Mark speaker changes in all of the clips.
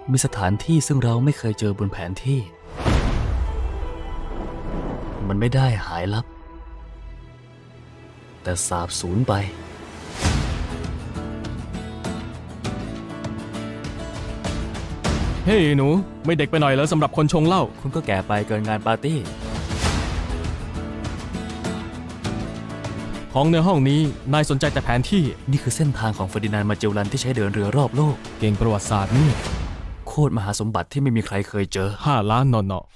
Speaker 1: มีสถานที่ซึ่งเราไม่เคยเจอบนแผนที่ มันไม่ได้หายลับ แต่สาบสูญไป
Speaker 2: เฮ้ยหนูไม่เด็กไปหน่อยเหรอสำหรับคนชงเหล้า
Speaker 1: คุณก็แก่ไปเกินงานปาร์ตี้
Speaker 2: ของในห้องนี้นายสนใจแต่แผนที่
Speaker 1: นี่คือเส้นทางของเฟอร์ดินานด์มาเจลลันที่ใช้เดินเรือรอบโลก
Speaker 2: เก่งประวัติศาสตร์นี่
Speaker 1: โคตรมหาสมบัติที่ไม่มีใครเคยเจอ
Speaker 2: 5 ล้านนอ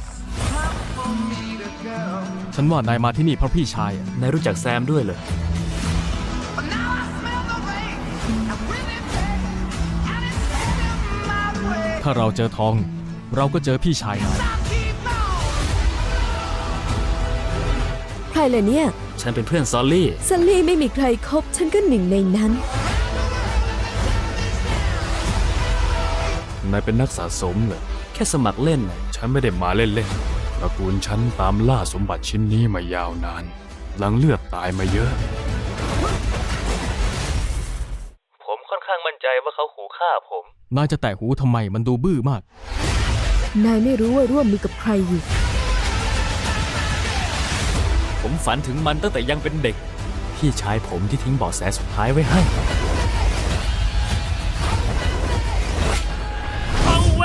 Speaker 2: ฉันว่านายมาที่นี่เพราะพี่ชายอะ
Speaker 1: นายรู้จักแซมด้วยเหรอ
Speaker 2: ถ้าเราเจอทอง เราก็เจอพี่ชายนาย
Speaker 3: ใครล่ะเนี่ย
Speaker 1: ฉันเป็นเพื่อนซอลลี่
Speaker 3: ซัลลี่ไม่มีใครคบฉันก็หนึ่งในนั้น
Speaker 1: นายเป็นนักสะสมเหรอ แค่สมัครเล่นน่ะฉันไม่ได้มาเล่นๆตระกูลฉันตามล่าสมบัติชิ้นนี้มายาวนาน หลังเลือดตายมาเยอะ ผมค่อนข้างมั่นใจว่าเขาขู่ฆ่าผม
Speaker 2: นายจะแตะหูทำไมมันดูบื้อมาก
Speaker 3: นายไม่รู้ว่าร่วมมือกับใครอยู่
Speaker 1: ผมฝันถึงมันตั้งแต่ยังเป็นเด็ก พี่ชายผมที่ทิ้งเบาะแสสุดท้ายไว้ให้เอาเวน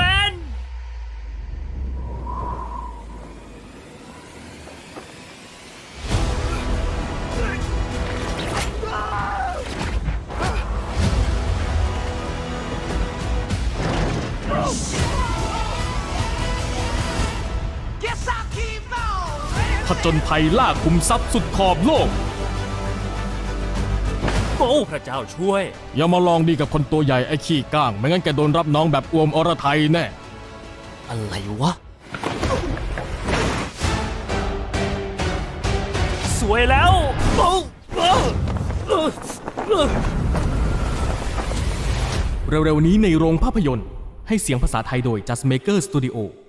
Speaker 2: ผจญภัยล่าคุมทรัพย์สุดขอบโลก
Speaker 1: โอ้พระเจ้าช่วย
Speaker 2: อย่ามาลองดีกับคนตัวใหญ่ไอ้ขี้ก้าง ไม่งั้นแกโดนรับน้องแบบอวมอรไทยแน่
Speaker 1: อะไรวะ สวยแล้วโอ้
Speaker 2: เร็วๆนี้ในโรงภาพยนตร์ให้เสียงภาษาไทยโดย Just Maker Studio